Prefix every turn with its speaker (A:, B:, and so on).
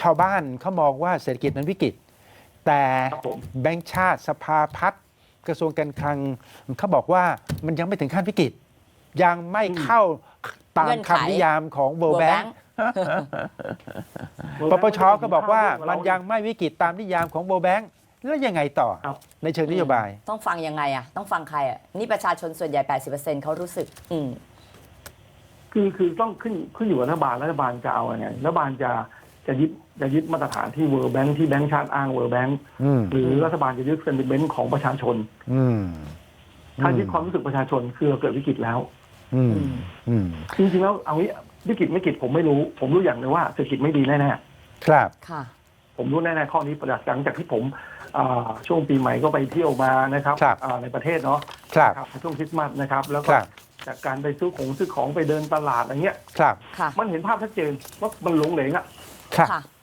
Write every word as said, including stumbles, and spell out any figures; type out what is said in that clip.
A: ชาวบ้านเขามองว่าเศรษฐกิจนั้นวิกฤตแต่
B: ครับผม
A: แบงก์ชาติสภาพัฒน์กระทรวงการคลังเขาบอกว่ามันยังไม่ถึงขั้นวิกฤตยังไม่เข้าตาม
C: เงื่อนไข
A: คำนิยามของ World
C: World
A: Bank
C: Bank
A: ปปชก็บอกว่ามันยังไม่วิกฤตตามนิยามของ World Bank แล้วยังไงต่อ
B: ครับ
A: ในเชิงนโยบาย
C: ต้องฟังยังไงอ่ะต้องฟังใครอ่ะนี่ประชาชนส่วนใหญ่ แปดสิบเปอร์เซ็นต์ เขารู้สึก อืม
B: คือคือต้องขึ้นขึ้นอยู่กับรัฐบาลรัฐบาลจะเอาไงรัฐบาลจะจะยึดจะยึดมาตรฐานที่ World Bank ที่แบงก์ชาติอ้าง World Bank
A: อืม
B: หรือรัฐบาลจะยึดเซนติเมนต์ของประชาชน
A: อืม
B: ถ้ายึดความรู้สึกประชาชนคือเราเกิดวิกฤตแล้ว
A: อืมอืม
B: จริงๆแล้วเอางี้วิกฤตไม่วิกฤตผมไม่รู้ ผมรู้อย่างหนึงว่าเศรษฐกิจไม่ดีแน่
A: ครับ
C: ค่ะ
B: ๆผมรู้แน่ๆข้อนี้ประหลังจากที่ผมอ่าช่วงปีใหม่ก็ไปเที่ยวมานะครับ
A: ครับ
B: อ่าในประเทศเนาะ
A: ครับ
B: ครับในช่วงคริสต์มาสนะครับ แล้ว
A: ค
B: ก็
A: รับ
B: จากการไปซื้อของซื้อของไปเดินตลาดอะไรเงี้ย
A: ครับ
C: ค่ะ
B: มันเห็นภาพชัดเจนว่ามันหลงเหลงอ่ะ
A: ครับ
C: ค่ะ